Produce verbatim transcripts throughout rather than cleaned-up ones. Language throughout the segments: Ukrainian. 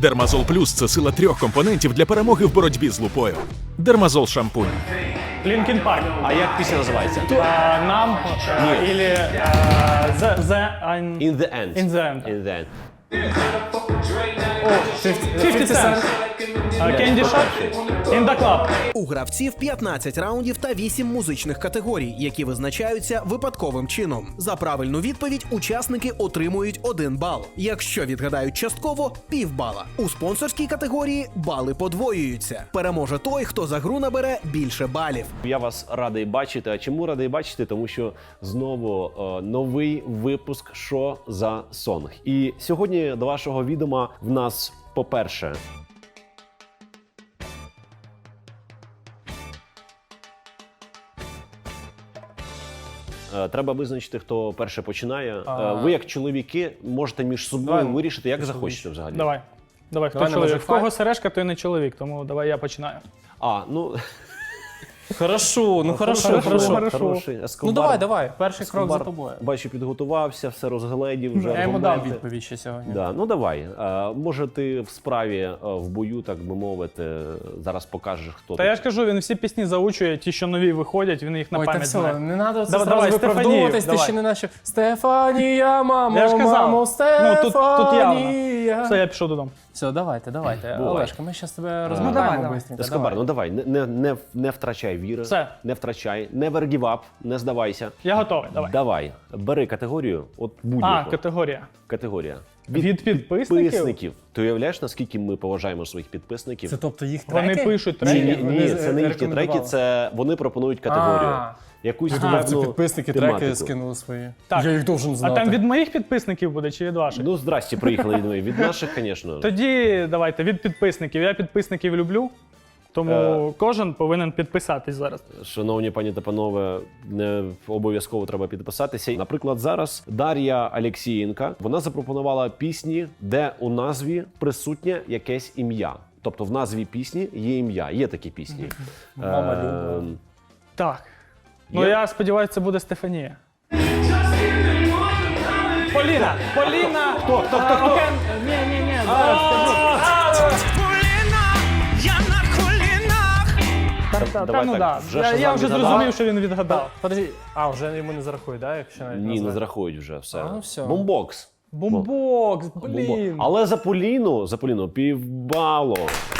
Дермазол Плюс – це сила трьох компонентів для перемоги в боротьбі з лупою. Дермазол шампунь. Лінкін Парк. А як пісня називається? Нам или The End. In the end. In the end. In the end. фіфті Cent. Candy Shop. In the Club. У гравців п'ятнадцять раундів та вісім музичних категорій, які визначаються випадковим чином. За правильну відповідь учасники отримують один бал. Якщо відгадають частково – півбала. У спонсорській категорії бали подвоюються. Переможе той, хто за гру набере більше балів. Я вас радий бачити. А чому радий бачити? Тому що знову е, новий випуск «Що за сонг». І сьогодні до вашого відома в нас, по-перше, треба визначити, хто перше починає. А... Ви, як чоловіки, можете між собою Давай. вирішити, як захочете взагалі. Давай. Давай, хто Давай, чоловік? може, В кого файт? сережка, той не чоловік, тому давай я починаю. А, ну... Хорошо, ну хорошо, хорошо, хорошо. хорошо. Хороший. Ну Ескобар, давай, давай, перший крок за Ескобар, тобою. Бачу, підготувався, все розгледів, вже Я йому дам аргументи. відповідь ще сьогодні. Да, ну давай. А, може ти в справі, а, в бою, так би мовити, зараз покажеш, хто Та ти. я ж кажу, він всі пісні заучує, ті, що нові виходять, він їх на Ой, так пам'ять все, знає. не треба це Давай, зразу давай, виправдовуватись, ти Стефанію, ще не наче Стефанія, мамо, Я ж казав. мамо, Ну, Стефанія. тут, тут явно. Все, я пішов додому. Все, давайте, давайте. Бувай. Олешка, ми зараз тебе давай, розмотаємо давай. быстренько. Ескобар, ну давай, не, не, не, не втрачай віри, Все. не втрачай, never give up, не здавайся. Я готовий, давай. Давай, бери категорію, от будь-яку. А, категорія. Категорія. Від підписників? підписників. Ти уявляєш, наскільки ми поважаємо своїх підписників? Це тобто їх треки? Вони пишуть Ні, треки. ні, Вони ні, з- це не їхні треки, рекомендували. це вони пропонують категорію. А. Якусь Я думав, це певну підписники тематику. треки скинули свої. Так. Я їх должен А знати. там від моїх підписників буде чи від ваших? Ну, здрасті, приїхали від моїх. Від наших, звісно. Тоді давайте від підписників. Я підписників люблю, тому Е. кожен повинен підписатись зараз. Шановні пані та панове, не обов'язково треба підписатися. Наприклад, зараз Дар'я Алєксієнка, вона запропонувала пісні, де у назві присутнє якесь ім'я. Тобто в назві пісні є ім'я, є такі пісні. Мама Е, любила. Так. Ну Є? я сподіваюся, це буде Стефанія. Поліна! Поліна! Хто? Хто? Хто? Хто? Ні, ні, ні, зараз скажу. Та, та, Давай ну так, да. вже Я, Шазам я вже відгадав? зрозумів, що він відгадав. Подожди, а, вже йому не зарахують, да, якщо навіть Ні, не назвати? зрахують вже все. А, ну все. Бомбокс. Бомбокс, Бомбо- блін. Але за Поліну, за Поліну півбало.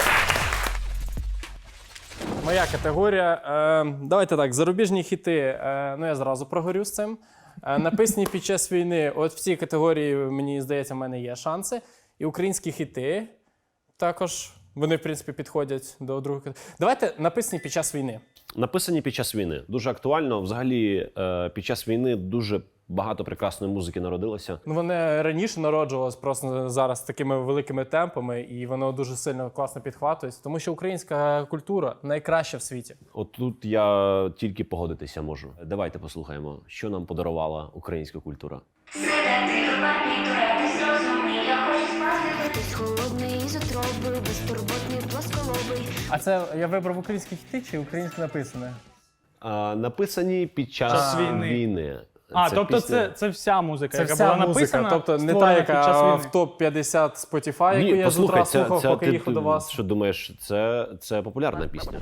Моя категорія. Е, давайте так, зарубіжні хіти. Е, ну я зразу прогорю з цим. Е, написані під час війни. От в цій категорії, мені здається, в мене є шанси. І українські хіти також. Вони, в принципі, підходять до другої категорії. Давайте написані під час війни. Написані під час війни. Дуже актуально. Взагалі, е, під час війни дуже багато прекрасної музики народилося. Ну, вони раніше народжувалися просто зараз такими великими темпами, і воно дуже сильно класно підхватується, тому що українська культура найкраща в світі. От тут я тільки погодитися можу. Давайте послухаємо, що нам подарувала українська культура. Хтось холодний із утроби, безтурботний плосколобий. А це я вибрав українські хіти чи українське написане? А, написані під час Час війни. війни. А, тобто пісня- це, це вся музика, Це яка вся була музика, написана, тобто не та, створена під час яка війни. в топ п'ятдесят Spotify, яку Ні, я з утра послухай, це, слухав, це, поки ти, їхав до вас. що думаєш, це, це популярна пісня.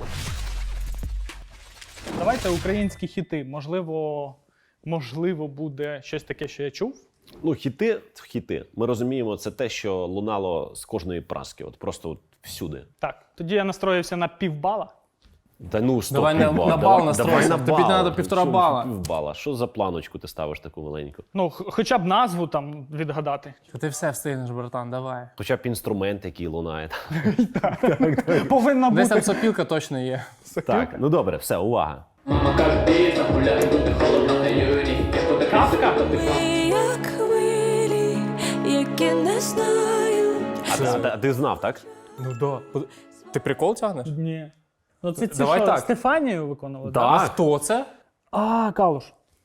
Давайте українські хіти. Можливо, можливо, буде щось таке, що я чув. Ну, хіти, хіти. Ми розуміємо, це те, що лунало з кожної праски, от просто от всюди. Так, тоді я настроївся на півбала. Та ну, стоп, Давай на- півбала. на бал Давай- настройся. давай на Тобі бал. надо півтора Що бала. Півбала. Що за планочку ти ставиш таку маленьку? Ну, х- хоча б назву там відгадати. Ти все встигнеш, братан, давай. Хоча б інструмент, який лунає. Повинна Десь бути. там сопілка точно є. Так, ну добре, все, увага. Кавка? Як хвилі, які не знають. А, а, а ти знав, так? Ну да. Ти прикол тягнеш? Ні. Ну це, це Давай що, так. Стефанію виконували? Так. А хто це? А, Калуш.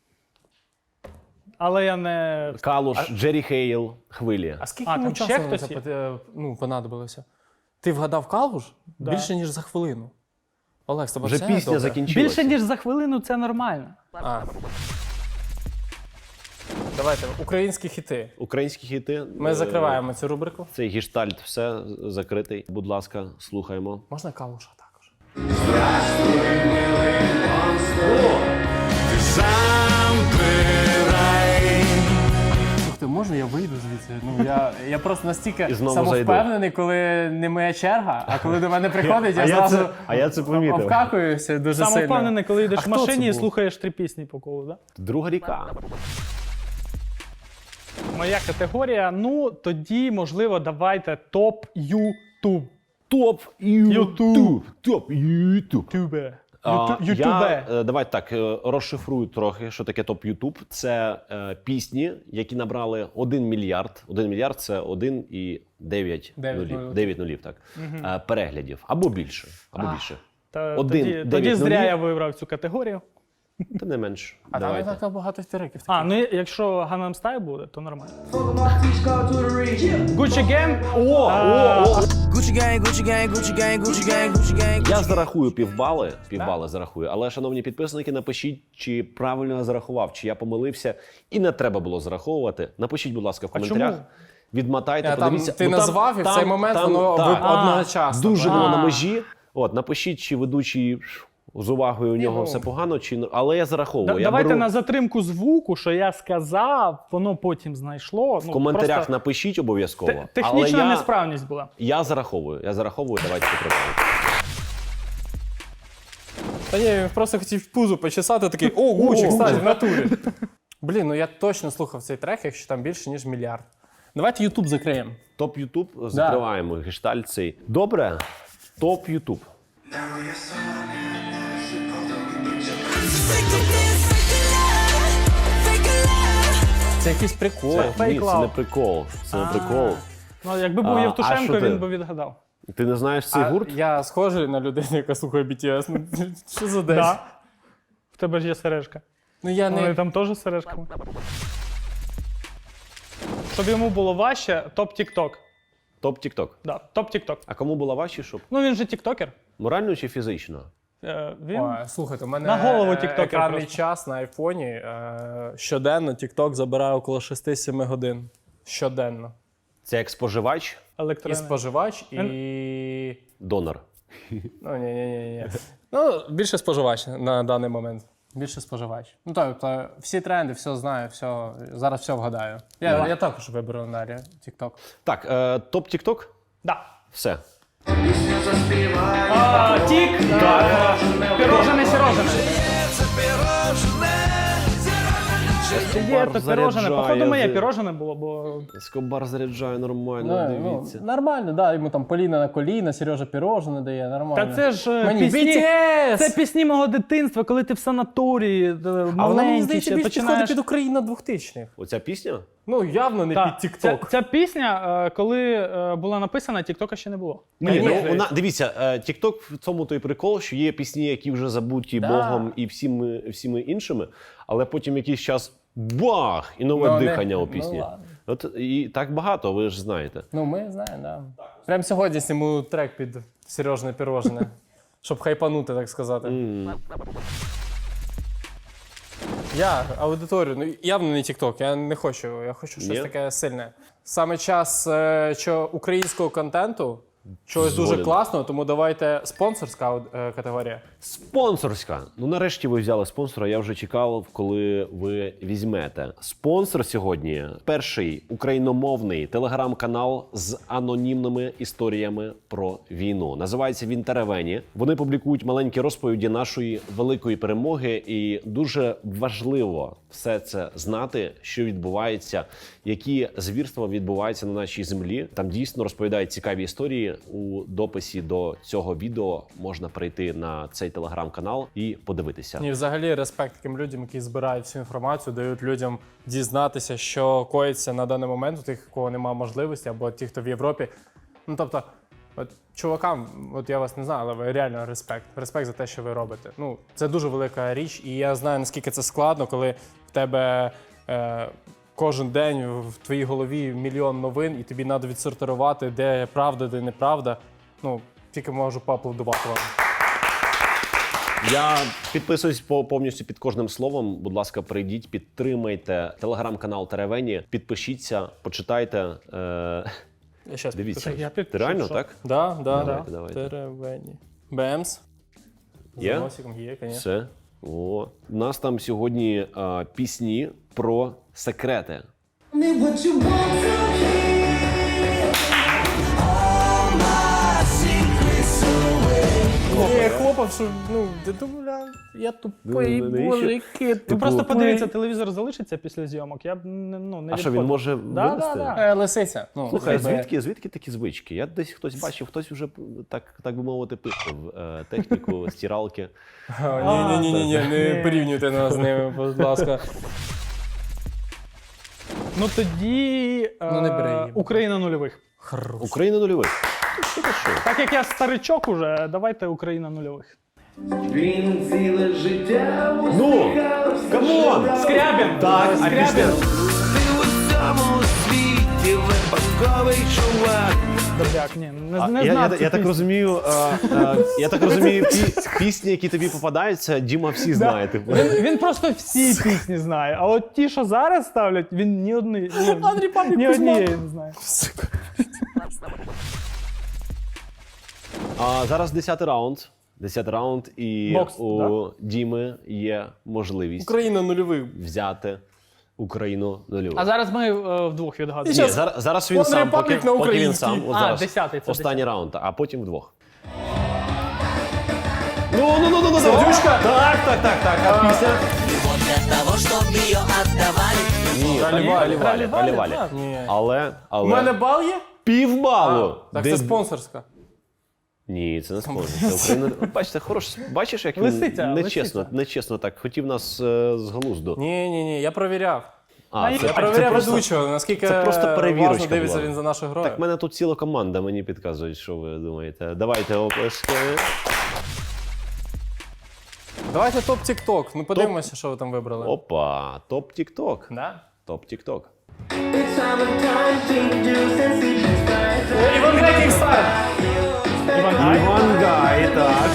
Але я не... Калуш, Джері Хейл, хвилі. А скільки А, йому там ще часу на хтось це є? пот- е, ну, понадобилося? Ти вгадав Калуш? Да. Більше, ніж за хвилину. Олег, з тобою Вже все пісня добре? закінчилася. Більше, ніж за хвилину, це нормально. А. давайте, українські хіти. Українські хіти. Ми е, закриваємо цю рубрику. Цей гештальт все закритий. Будь ласка, слухаємо. Можна калуша також? Слухайте, можна я вийду звідси? Ну, я, я просто настільки І знову самовпевнений, коли не моя черга, а коли до мене приходить, я А я зразу це- а я це помітив. обкакуюся дуже сильно. Самовпевнений, коли А йдеш в хто машині це і був? слухаєш три пісні по колу, да? Друга ріка. Моя категорія, ну, тоді, можливо, давайте топ Ютуб. Топ Ютуб. Топ Ютуб. Ютубе. А, Юту- Я, Ютубе. е, давайте так, е, розшифрую трохи, що таке топ Ютуб. Це е, пісні, які набрали один мільярд. один мільярд – це один і дев'ять Дев'ять нулів. нулів. дев'ять нулів, так. Е, переглядів. Або більше. Або більше. Та, Один, тоді, дев'ять тоді зря нулів. я вибрав цю категорію. Та не менш. А там не Давайте. так багато істериків. А, ну якщо Gangnam Style буде, то нормально. Gucci Gang? О, о, Gucci gang, Gucci gang, Gucci gang, Gucci gang, Gucci gang. Я зарахую півбали, півбали зарахую. Але, шановні підписники, напишіть, чи правильно я зарахував, чи я помилився, і не треба було зараховувати. Напишіть, будь ласка, в коментарях. чому? Відмотайте, Я, там, подивіться. ти Ну, там- назвав, і в там- цей момент там- воно так. ви- одночасно. Дуже було на А. межі. От, напишіть, чи ведучий з увагою у нього ну. все погано, чи але я зараховую. Да- я давайте беру... на затримку звуку, що я сказав, воно потім знайшло. В коментарях напишіть обов'язково. Те- Технічна але я... несправність була. Я зараховую. Я зараховую, давайте підтримаємо. Та ні, він просто хотів пузо почесати, такий, о, Гучі, кстати, в натурі. Блін, ну я точно слухав цей трек, якщо там більше, ніж мільярд. Давайте Ютуб закриємо. Топ Ютуб закриваємо гештальт цей. Добре? Топ Ютуб. Це якийсь прикол. Це, Fake ні, це Love. не прикол. Це не прикол. Ну, якби був А, а Євтушенко, що ти? він би відгадав. Ти не знаєш цей А гурт? я схожий на людину, яка слухає бі ті ес. Ну, що за десь? Да. В тебе ж є сережка. Ну я Вони не... там теж з сережками. Щоб йому було важче, топ Тік-Ток. Топ Тік-Ток. Да, топ Тік-Ток. А кому була важче, щоб? Ну він же тіктокер. Морально чи фізично? Е, він... Ой, слухайте, у мене На голову е, тіктокер екранний просто. час на айфоні. Е, щоденно тікток забирає около шість-сім годин. Щоденно. Це як споживач, І електронний. споживач, і... донор. Ну, ні, ні, ні, ні. Ну, більше споживач на даний момент. Більше споживач. Ну, тобто, всі тренди, все знаю, все, зараз все вгадаю. Я, я також виберу на TikTok. Так, е, топ Тік-Ток? Да. Все. А, тік. Да. Пірожене, сірожене. Є то пірожене. Походу моє пірожене було, бо... Ескобар заряджає нормально, Ну, дивіться. нормально, да, йому там Поліна на коліна, Сережа пірожне дає, нормально. Та це ж е, Мені пісні... бі ті ес! Це пісні мого дитинства, коли ти в санаторії, е, А вона, мені маленький здається, ще більш починаєш... підходить під Україну двохтисячних. Оця пісня? Ну, явно не Так, під ця, TikTok. ця пісня, е, коли е, була написана, Тіктока ще не було. Мені Ні, ну, здається. вона, дивіться, е, Тік-Ток в цьому той прикол, що є пісні, які вже забуті Да. Богом і всіми, всіми іншими, але потім якийсь час бах! І нове Ну, не- дихання у ну, пісні. ладно. От і так багато, ви ж знаєте. Ну, ми знаємо, да. Прямо сьогодні зніму трек під Сережне пірожне, щоб хайпанути, так сказати. Я аудиторію, ну явно не TikTok, я не хочу, я хочу щось Ні? таке сильне. Саме час е, що українського контенту, чогось дуже Згоден. класного, тому давайте спонсорська е, категорія. Спонсорська. Ну нарешті ви взяли спонсора. Я вже чекав, коли ви візьмете. Спонсор сьогодні перший україномовний телеграм-канал з анонімними історіями про війну. Називається він Теревені. Вони публікують маленькі розповіді нашої великої перемоги, і дуже важливо все це знати, що відбувається, які звірства відбуваються на нашій землі. Там дійсно розповідають цікаві історії. У дописі до цього відео можна прийти на цей телеграм-канал і подивитися. І взагалі респект таким людям, які збирають всю інформацію, дають людям дізнатися, що коїться на даний момент у тих, у кого немає можливості, або ті, хто в Європі. Ну тобто, от чувакам, от я вас не знаю, але ви реально респект. Респект за те, що ви робите. Ну, це дуже велика річ, і я знаю, наскільки це складно, коли в тебе е, кожен день в твоїй голові мільйон новин, і тобі треба відсортувати, де правда, де неправда. Ну, тільки можу поаплодувати вам. Я підписуюсь по повністю під кожним словом. Будь ласка, прийдіть, підтримайте телеграм-канал Теревені, підпишіться, почитайте. Е... Я щас Дивіться, Так, я ти підпишу, реально що? так? Да, да, Давайте, да. давайте. Теревені. Бемс. Є? З носиком є, звісно. Все. О. У нас там сьогодні а, пісні про секрети. Я хлопав, що, ну, ти думав, я тупий, Ну, навіщо? боже, який Ну просто Типу, подивіться, телевізор залишиться після зйомок. Я б не, ну, не А що, він відходив. може Да, винести? да, да. Е, Лисиця. Ну, Слухай, якби- звідки, звідки такі звички? Я десь хтось бачив, хтось вже так, так би мовити, пишав е, техніку стиралки. Ні, ні, ні, ні, не порівнюйте нас з ними, будь ласка. Ну тоді Ну, не бери е, її. Україна нульових. Україна нульових. Що ти що? Так як я старичок уже, давайте Україна нульових. Ну, камон! Скрябін! Так, а Скрябін! пісня? Добряк, ні, не, А, не я, знав я, цю я так пісню. розумію, е, е, я так розумію, пі- пісні, які тобі попадаються, Діма всі знає. Типу. Він, він просто всі пісні знає, а от ті, що зараз ставлять, він ні одної, ні, Андрій Павлік ні Кузьма. однієї не знає. А зараз десятий раунд. Десятий раунд, і Бокс, у Діми є можливість Україна нульових. взяти Україну нульову. А зараз ми е, вдвох відгадуємо. І Ні, щас зараз, зараз він One сам, поки, Republic на поки він українській. сам. От А, зараз десятий, це останній десятий. раунд, а потім вдвох. Ну, ну, ну, ну, ну, Сердючка? Так, так, так, так. А пісня? Ні, Ралі-Валі. Ралі-Валі, Ралі-Валі, Ралі-Валі. так. Ні. Але, але... У мене бал є? півбалу. Так Де- це спонсорська. Ні, це не спонсор. Це Україна. От Бачите, хорош. Бачиш, як він Лисиця, нечесно, лисиця. нечесно так. Хотів нас е, з глузду. Ні, ні, ні, я провіряв. А, Я це, Я це провіряв просто- ведучого, наскільки це просто перевірочка уважно дивиться була. він за нашою грою. Так, в мене тут ціла команда, мені підказують, що ви думаєте. Давайте оплески. Давайте топ тік-ток. Ну подивимося, що ви там вибрали. Опа, топ Тік-Ток. Да? Топ Тік-Ток. Іван Гай Кікстайл! Іван Гай. Іван Гай, так.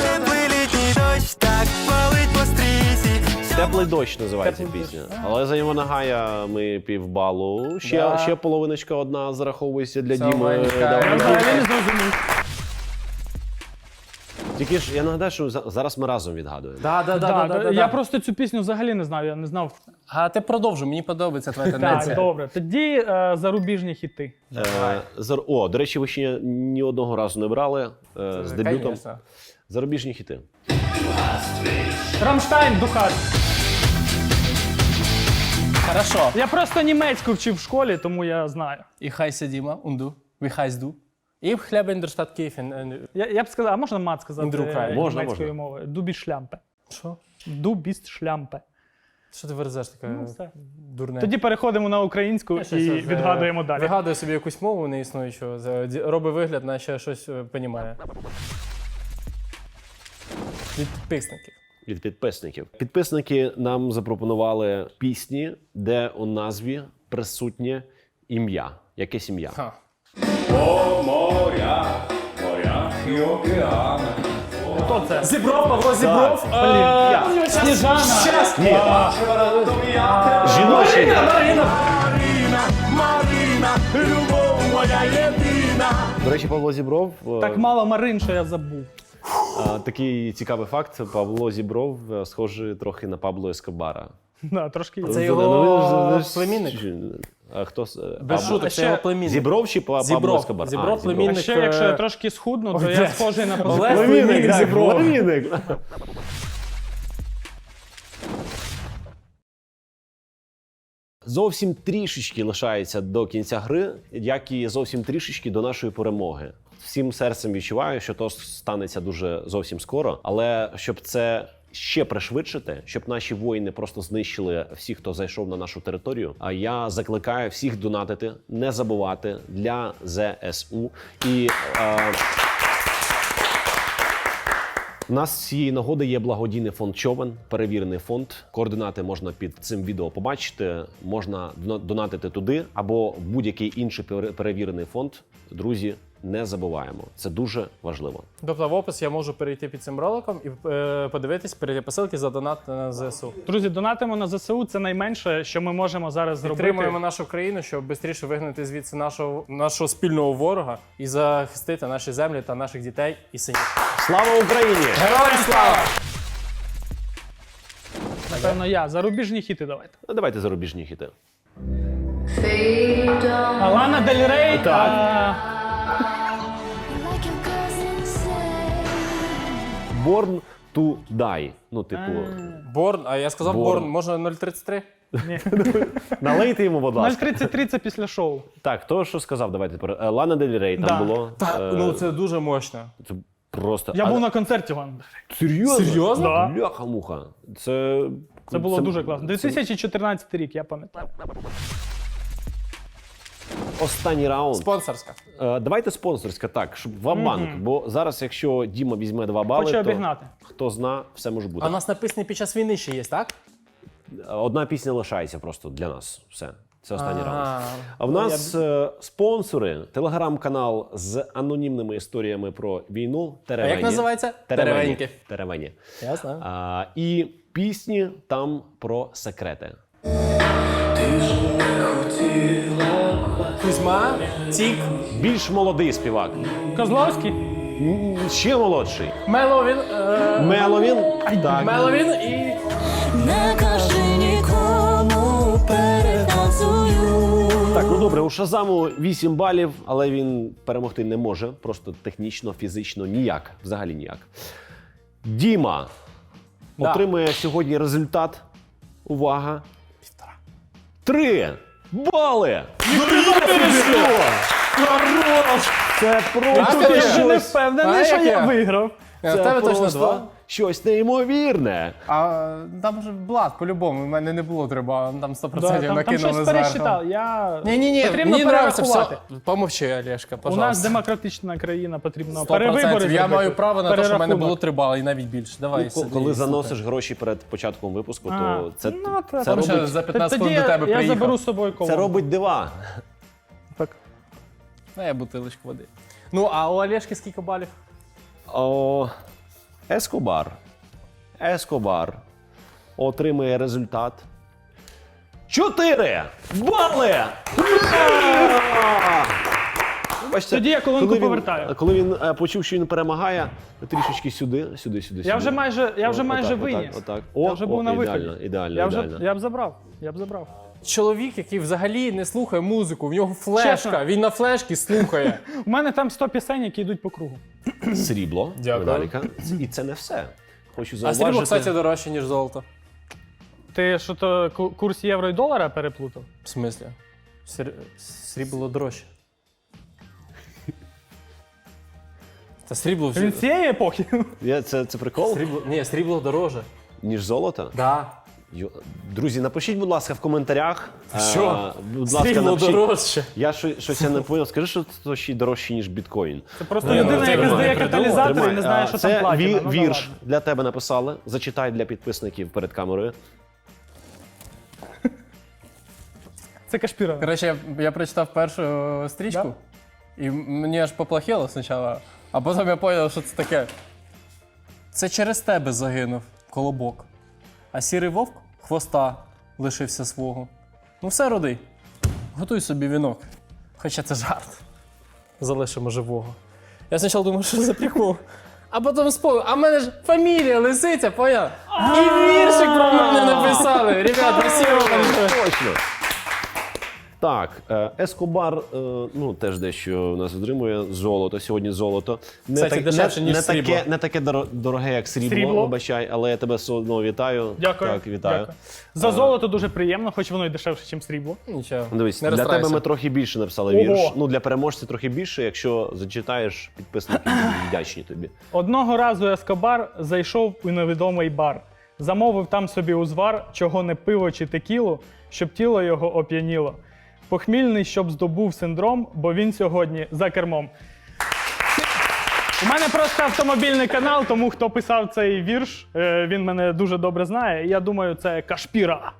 Теплий дощ називається Теплий пісня. Але за Івана Гая ми півбалу. Ще, Да. ще половиночка одна зараховується для Все, Діми. Ваня, Давай. Я взагалі не зрозумів. Тільки ж я нагадаю, що за- зараз ми разом відгадуємо. Да, да, да, Да, да, да, да, я да. просто цю пісню взагалі не знав, я не знав. А ти продовжуй, мені подобається твоя Так, тенденція. добре. Тоді е, зарубіжні хіти. Е, зар- О, до речі, ви ще ні одного разу не брали е, з дебютом. Конечно. Зарубіжні хіти. Рамштайн, Духар. Хорошо. Я просто німецьку вчив в школі, тому я знаю. І хай сидіма, унду, ви хай зду. І в хляб індерштадт Київ. Я, я б сказав, а можна мат сказати Індрукай. е, Можна, німецькою можна. мовою? Дубіс шлямпе. Що? Дубіс шлямпе. Що ти верзеш таке Ну, все. дурне? Тоді переходимо на українську Я і щас, е, відгадуємо далі. Вигадує собі якусь мову неіснуючу, за- ді- робить вигляд, наче щось е, понімає. Від підписників. Від підписників. Підписники нам запропонували пісні, де у назві присутнє ім'я. Якесь ім'я. Ха. Хто це? Зібров, Павло Зібров. Блін, Сніжана. Щас. Ні. Жіночий. До речі, Павло Зібров. е, Так мало Марин, що я забув. е, такий цікавий факт. Павло Зібров е, схожий трохи на Пабло Ескобара. Да, трошки є. Це Ну, його ви ж- племінник? А хто з- е, Без Пабло- шуток, ще це його племінник. Зібров чи Па- Пабло Зібров. Ескобар? А, Зібров, А племінник. ще, якщо я е, трошки схудну, то Ой, я блядь. схожий на Олег позитив. племінник так, Зіброва. племінник. Зовсім трішечки лишається до кінця гри, як і зовсім трішечки до нашої перемоги. Всім серцем відчуваю, що то станеться дуже зовсім скоро. Але щоб це ще пришвидшити, щоб наші воїни просто знищили всіх, хто зайшов на нашу територію. А я закликаю всіх донатити, не забувати для зе ес у. І е, у нас з цієї нагоди є благодійний фонд Човен, перевірений фонд. Координати можна під цим відео побачити. Можна дона- донатити туди або в будь-який інший пере- перевірений фонд. Друзі, не забуваємо. Це дуже важливо. Тобто в опис я можу перейти під цим роликом і е, подивитись, перейти посилки за донат на ЗСУ. Друзі, донатимо на ЗСУ, це найменше, що ми можемо зараз зробити. Підтримуємо нашу країну, щоб швидше вигнати звідси нашого, нашого спільного ворога і захистити наші землі та наших дітей і синів. Слава Україні! Героям слава! Напевно, я. Зарубіжні хіти давайте. Ну, давайте зарубіжні хіти. Лана Дель Рей. Так. а, Like your cousin said. Born to die. Ну, типу, Борн, а я сказав Борн. Борн, можна нуль тридцять три? налийте йому, будь нуль ласка. тридцять три це після шоу. Так, то, що сказав, давайте тепер. Е, Лана Дель Рей там Да. було. Та, Е, ну це дуже мощно. Це просто... Я А, був на концерті Лани Дель Рей. Серйозно? Серйозно? Да. Бляха-муха. Це... Це було дуже класно. дві тисячі чотирнадцятий рік, я пам'ятаю. Останній раунд. Спонсорська. Е, давайте спонсорська, так, щоб вам банк. Бо зараз, якщо Діма візьме два бали, Хочу то обігнати. хто зна, все може бути. А у нас написані під час війни ще є, так? Одна пісня лишається просто для нас. Все. Це останній раунд. Ага. А в нас е, спонсори, телеграм-канал з анонімними історіями про війну. Теревені. А як називається? Теревені. Теревеньки. Теревені. Я знаю. А, і пісні там про секрети. Кузьма, Тік, Більш молодий співак. Козловський. М, Ще молодший. Меловін, е, Меловін. Так. Меловін і Не кажи нікому, переказую. Так, ну добре, у Шазаму вісім балів, але він перемогти не може. Просто технічно, фізично ніяк. Взагалі ніяк. Діма Да. отримує сьогодні результат. Увага. Півтора. Три бали! Ну, ти що? Це просто Тут я ще не щось, впевнений, А, що як я я? виграв. в це тебе точно просто два. щось неймовірне. А там же Влад, по-любому, в мене не було треба, там сто Да, процентів там, там накинули щось зверху. пересчитав. Я... Ні, ні, ні, Потрібно мені нравиться перерахувати. все. Помовчи, Олешка, У пожалуйста. нас демократична країна, потрібно сто процентів. перевибори Я зробити. маю право на те, що в мене Перерахунок. було три бали і навіть більше. Давай, Ну, сиди, коли слухай. заносиш гроші перед початком випуску, А, то це, ну, та- це, там Тому що робить, за п'ятнадцять Тоді хвилин до тебе я, я приїхав. заберу з собою це колонку. робить дива. Так. На, я бутилочку води. Ну, а у Олешки скільки балів? О, Ескобар. Ескобар отримує результат. Чотири бали! Ура! Бачите, Тоді я колонку коли він- повертаю. Коли він е, почув, що він перемагає, трішечки сюди, сюди, сюди. Я сюди. вже майже, я вже О, майже отак, виніс. Отак, отак. О, Я вже був о, на ідеально, виході. ідеально, Я вже ідеально. я б забрав. Я б забрав. Чоловік, який взагалі не слухає музику, в нього флешка, Чесно. він на флешці слухає. У мене там сто пісень, які йдуть по кругу. Срібло, Дякую. медаліка. І це не все. Хочу А зауважити. срібло, кстати, дорожче, ніж золото. Ти що то ку- курс євро і долара переплутав? В смислі? Срі- Срібло дорожче. Та срібло Він з цієї епохи. Я, це, це прикол? Срібло... Ні, срібло дороже. Ніж золото? Да. Йо- Друзі, напишіть, будь ласка, в коментарях. Що? Е, будь ласка, Срібло напишіть. дорожче. Я що, щось я не поняв. Скажи, що це ще й дорожче, ніж біткоін. Це просто Ну, людина, це яка нормально. здає каталізатор і Тримай. не знає, А, що це там платіна. ві- Ну, да вірш ладно. для тебе написали. Зачитай для підписників перед камерою. Це Кашпіра. Коротше, я, я прочитав першу е, стрічку, і мені аж поплохело спочатку, а потім я зрозумів, що це таке. Це через тебе загинув колобок, а сірий вовк хвоста лишився свого. Ну все, роди, готуй собі вінок. Хоча це жарт. Залишимо живого. Я спочатку думав, що за прикол. А потім спомнив, а в мене ж фамілія Лисиця, поняв? І віршик про мене написали. Ребят, спасибо вам. Точно. Так, е, Ескобар, е, ну теж дещо у нас отримує золото. Сьогодні золото. Не, Кстати, дешевше, ніж не срібло. таке, не таке доро- дороге, як срібло, Срібло. вибачай, але я тебе все одно вітаю. Дякую. Так, вітаю. Дякую. За золото дуже приємно, хоч воно й дешевше, ніж срібло. Нічого. Дивись, не для тебе розстраюйся. ми трохи більше написали Ого. вірш. Ну, для переможця трохи більше, якщо зачитаєш, підписники будуть вдячні тобі. Одного разу Ескобар зайшов у невідомий бар. Замовив там собі узвар, чого не пиво чи текілу, щоб тіло його оп'яніло. Похмільний, щоб здобув синдром, бо він сьогодні за кермом. У мене просто автомобільний канал, тому хто писав цей вірш, е, він мене дуже добре знає. І я думаю, це Кашпіра.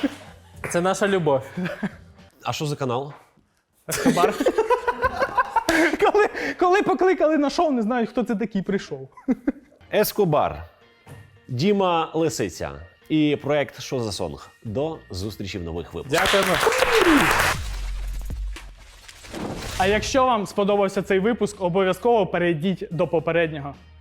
Це наша любов. А що за канал? Ескобар. коли, коли покликали на шоу, не знають, хто це такий прийшов. Ескобар, Діма Лисиця і проект «Що за сонг». До зустрічі в нових випусках. Дякуємо. А якщо вам сподобався цей випуск, обов'язково перейдіть до попереднього.